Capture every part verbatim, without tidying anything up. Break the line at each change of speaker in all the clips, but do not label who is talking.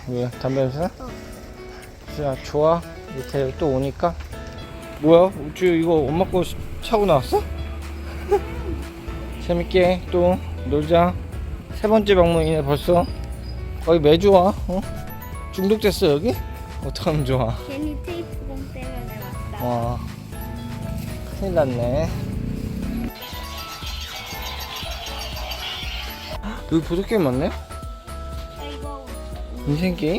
왜? 담배 냄새?
어.
자, 좋아. 이렇게 또 오니까. 뭐야? 우주 이거 엄마 거 차고 나왔어? 재밌게 또 놀자. 세 번째 방문이네 벌써. 거의 매주 와. 어? 중독됐어 여기? 어떡하면 좋아.
괜히 테이프 공 때문에 왔다.
와, 큰일 났네. 여기 보드게임 많네?
아, 이거
인생게임?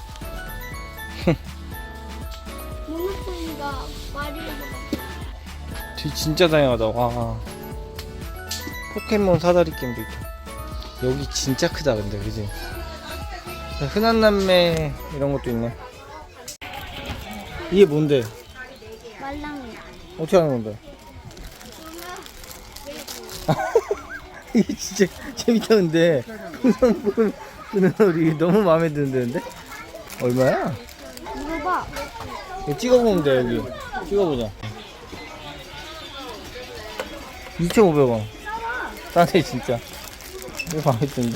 모노폴리가 마리오보다
되게 진짜 다양하다. 와, 포켓몬 사다리 게임도 있다. 여기 진짜 크다 근데 그지? 흔한 남매 이런 것도 있네. 이게 뭔데?
말랑이.
어떻게 하는 건데? 이게 진짜 재밌다 근데 풍선불 끄는 소리 너무 마음에 드는데? 얼마야?
물어봐.
이거 찍어보면 돼 여기. 찍어보자. 이천오백 원. 싸네 진짜. 이거 마음에 드는데?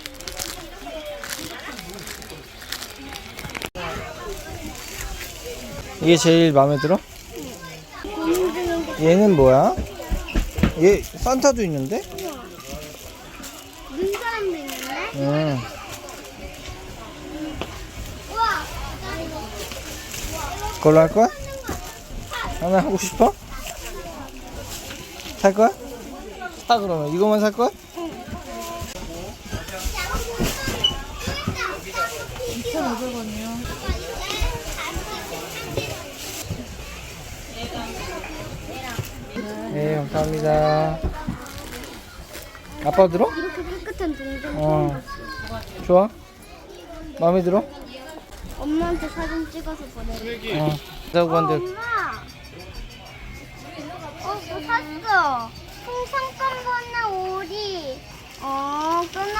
이게 제일 마음에 들어? 얘는 뭐야? 얘 산타도 있는데?
눈사람도 있는데?
응.
우와.
그걸로 할 거야? 하나 하고 싶어? 살 거야? 사 그러면 이거만 살 거야?
이천오백 원이요.
네 감사합니다. 아빠 들어?
이렇게 깨끗한 동전
어. 좋아? 마음에 들어?
엄마한테 사진 찍어서 보내줄게.
어. 자고
어,
한데
엄마. 어, 뭐 샀어? 풍선껌 오리. 어, 끊어.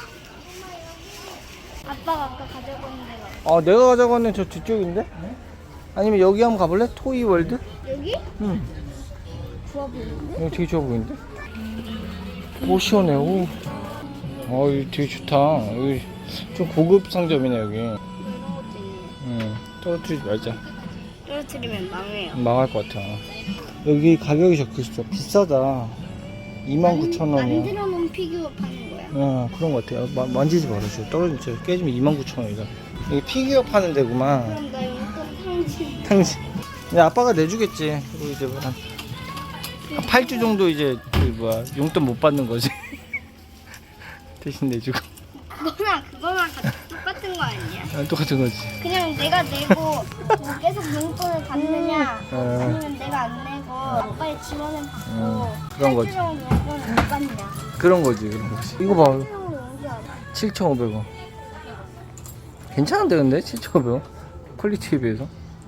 아빠가 아까 가져온 데가.
어 내가 가져가는 저 뒤쪽인데? 아니면 여기 한번 가볼래? 토이월드?
여기?
응.
좋아 보이는데?
여기 되게 좋아 보이는데? 오 시원해. 오. 어 여기 되게 좋다. 여기 좀 고급 상점이네 여기.
이런 것도 있네.
응. 떨어뜨리지 말자.
떨어뜨리면 망해요.
망할 것 같아. 여기 가격이 적혀있어. 비싸다. 이만 구천 원이야.
만들어 놓은 피규어 파는 거야.
어 그런 것 같아. 마, 만지지 말아줘. 떨어지면 깨지면 이만 구천 원이다. 여기 피규어 파는 데구만.
그럼 나 용돈 탕진.
당신. 근데 아빠가 내주겠지. 그리고 이제 뭐 한, 한 팔 주 정도 이제 그 뭐야 용돈 못 받는 거지. 대신 내주고.
그거랑 그거랑 같이 똑같은 거 아니야?
아, 똑같은 거지.
그냥 내가 내고 뭐 계속 용돈을 받느냐
어.
아니면 내가 안 내고 아빠의 지원을 받고
어, 그런 거지.
팔 주 정도 용돈을 못 받냐.
그런 거지, 그런 거지. 이거 봐.
팔 주 정도 용돈.
칠천오백 원. 괜찮은데 근데 칠천오백 원. 퀄리티에 비해서.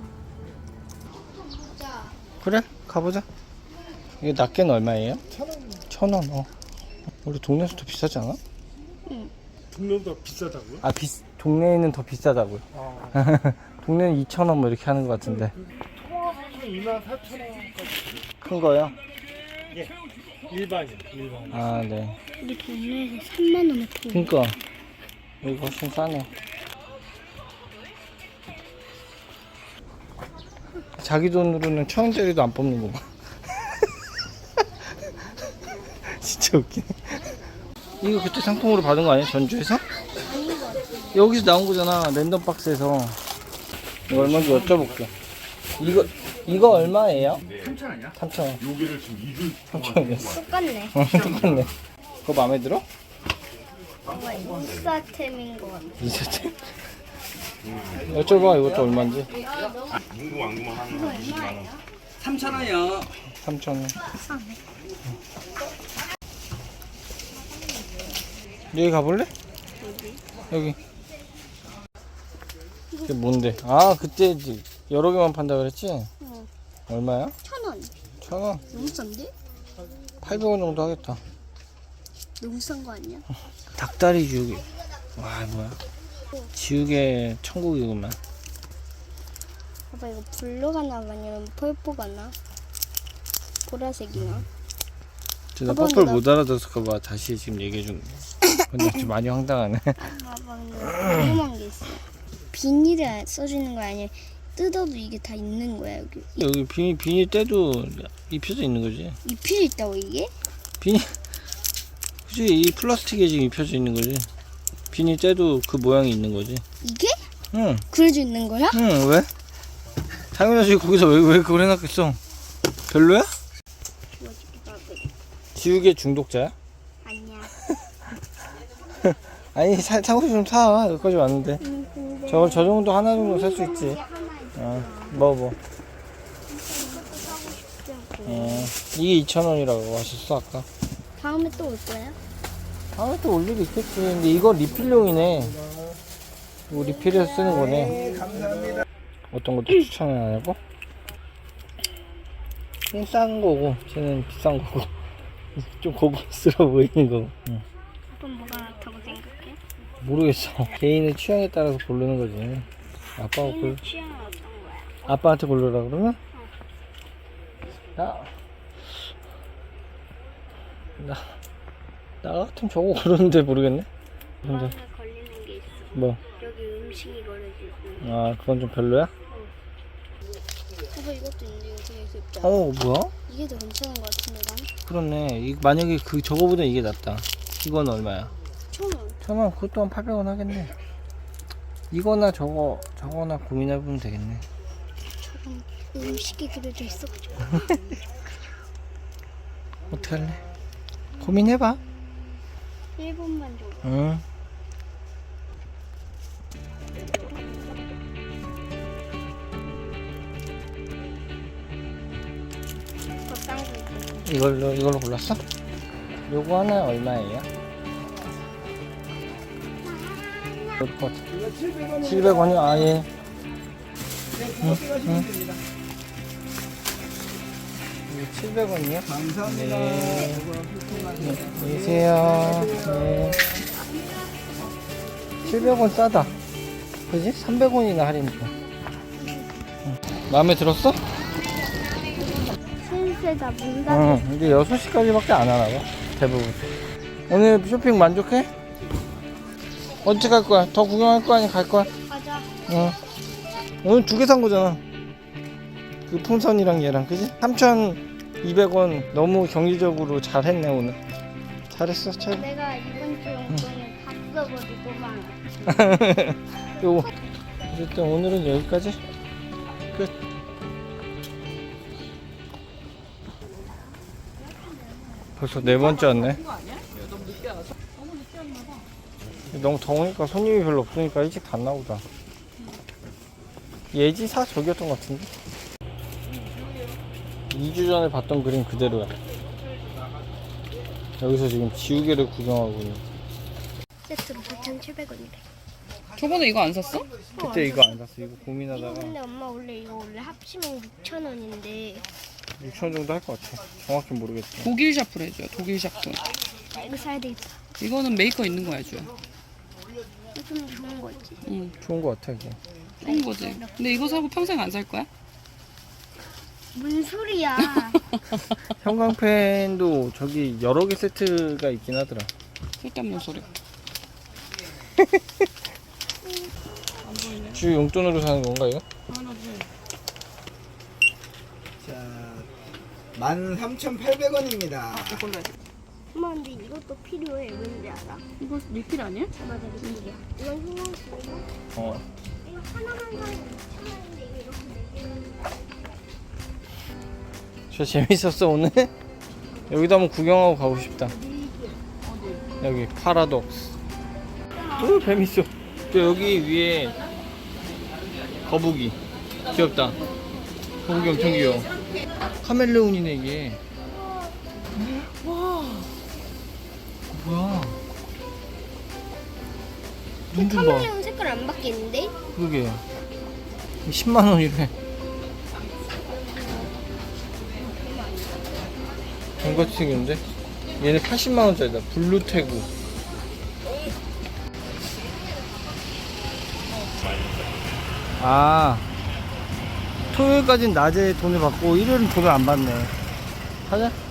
그래, 가보자. 이게 낱개는 얼마예요?
천 원.
천 원. 어. 우리 동네에서 더 비싸지 않아?
동네보다 비싸다고요?
아, 비, 동네에는 더 비싸다고요.
아,
동네는 이천 원 뭐 이렇게 하는 것 같은데.
통합하면 이만 사천 원까지.
큰 거요?
예, 일반이요, 일반.
아, 네.
우리 동네에서 삼만 원에 통.
그니까 여기 훨씬 싸네. 자기 돈으로는 천 원짜리도 안 뽑는구만. 진짜 웃기네. 이거 그때 상품으로 받은 거 아니야? 전주에서? 여기서 나온 거잖아. 랜덤 박스에서. 이거 얼마인지 여쭤볼게. 이거 이거 얼마예요?
삼천 원이야?
삼천 원.
여기를 지금 이 주
삼천 원이었어.
똑같네.
어, 똑같네. 그거 마음에 들어?
뭔가 인싸템인 것 같아.
이세트? 여쭤봐 이것도 얼마인지.
궁금한 거만 하는 이십만 원.
삼천 원이요.
삼천 원.
싸네.
여기 가볼래? 여기. 이게 뭔데? 아 그때 이제 여러 개만 판다 그랬지?
응.
얼마야?
천 원.
천 원?
너무 싼데?
팔백 원 정도 하겠다.
너무 싼 거 아니야?
닭다리 지우개. 와 뭐야? 지우개 천국이구만.
봐봐 이거 블루가 나 아니면 펄포가 나? 보라색이나?
나
봐봐,
퍼플
나-
못 알아들었을까봐 다시 지금 얘기해 준 거야. 근데 좀 많이 황당하네.
봐봐 근데 궁금한 게 있어. 비닐에 써주는 거야? 아니면 뜯어도 이게 다 있는 거야 여기?
여기 비닐, 비닐 때도 입혀져 있는 거지.
입힐 있다고 이게?
비닐, 그치, 이 플라스틱에 지금 입혀져 있는 거지. 비닐 때도 그 모양이 있는 거지.
이게?
응,
그려져 있는 거야?
응, 왜? 당연하지, 거기서 왜, 왜 그걸 해놨겠어? 별로야? 지우개 중독자야?
아니야.
아니, 사, 사고 싶으면 사. 여기까지 왔는데.
음, 근데
저걸 저 정도 하나 정도 살 수 있지.
이게 하나 있어.
어, 뭐, 뭐.
이것도 사고 싶지 않고.
어, 이게 이천 원이라고 하셨어, 아까.
다음에 또 올 거야?
다음에 또 올 일이 있겠지. 근데 이거 리필용이네. 이거 리필해서 쓰는 거네. 어떤 것도 추천을 안 하고? 쟤는 싼 거고, 쟤는 비싼 거고. 좀 고급스러워 보이는 거고. 응.
그럼 뭐가 낫다고 생각해?
모르겠어. 개인의 취향에 따라서 고르는 거지. 아빠가 골,
취향은 어떤 거야?
아빠한테 고르라 그러면? 나, 나, 나 같으면 저거 고르는데 모르겠네? 근데,
마음에 걸리는 게 있어.
뭐,
여기 음식이 걸려지고.
아, 그건 좀 별로야?
오빠 이것도 있는데 이거 되게 귀엽다.
어, 뭐야?
이게 더 괜찮은 것 같은데 난?
그렇네. 이, 만약에 그, 저거보다 이게 낫다. 이건 얼마야?
천 원.
천원, 그것도 한 팔백 원 하겠네. 이거나 저거, 저거나 고민해보면 되겠네.
저건 음식이 그려져 있어가지고.
어떻게 할래? 고민해봐.
일 분만 줘.
응.
더 싼 거 있어.
이걸로, 이걸로 골랐어? 요거 하나 얼마예요? 그럴 것 같아. 칠백 원이요? 아, 예. 응, 응. 이거 칠백 원이요? 감사합니다. 네. 네, 안녕히 계세요. 네. 칠백 원 싸다. 그지? 삼백 원이나 할인 줘. 응. 마음에 들었어?
센세다 문 닫아.
응, 근데 여섯 시까지밖에 안 하나 봐. 대부분. 오늘 쇼핑 만족해? 언제 갈 거야? 더 구경할 거야? 아니면 갈 거야?
가자.
응. 오늘 두 개 산 거잖아. 그 풍선이랑 얘랑, 그지? 삼천이백 원 너무 경제적으로 잘 했네, 오늘. 잘했어, 잘.
내가 이번 주 용돈을 다 써버리고 만
요거. 어쨌든 오늘은 여기까지. 끝. 벌써 네 번째 왔네. 너무 더우니까 손님이 별로 없으니까 일찍 닫나 보다. 예지사 저기였던 것 같은데? 이 주 전에 봤던 그림 그대로야. 여기서 지금 지우개를 구경하고 있는.
세트로 사천칠백 원이래.
저번에 이거 안 샀어?
그때 이거 안 샀어. 이거
이거
고민하다가
근데 엄마 원래 이거 원래 합치면 육천 원인데
육천 원 정도 할 것 같아. 정확히 모르겠어.
독일 샤프를 해줘요. 독일 샤프.
이거 사야 되겠다.
이거는 메이커 있는 거 해줘요.
이거 좀 좋은 거지.
응,
좋은 것 같아, 이게.
좋은 거지. 근데 이거 사고 평생 안 살 거야?
뭔 소리야?
형광펜도 저기 여러 개 세트가 있긴 하더라.
쓸데없는 소리.
주 용돈으로 사는 건가, 이거?
자, 만 삼천팔백 원입니다.
이걸로 해줘.
엄마 근데 이것도 필요해. 왠지 알아?
이거 리필 아니야?
맞아 리필이야. 이건 휴먼이고
어.
이거 하나만 사면 육천 원인데 이거 이렇게 네 개는
저 재밌었어, 오늘? 여기도 한번 구경하고 가고 싶다. 여기 파라독스. 오, 뱀 있어. 저 여기 위에 거북이. 귀엽다. 거북이 엄청 귀여워. 카멜레온이네, 이게. 와. 뭐야. 눈 좀 봐.
카멜레온 색깔 안 바뀌는데?
그러게. 십만 원이래. 돈같이 생겼는데? 얘는 팔십만 원짜리다. 블루태구. 아, 토요일까지는 낮에 돈을 받고 일요일은 돈을 안 받네. 가자.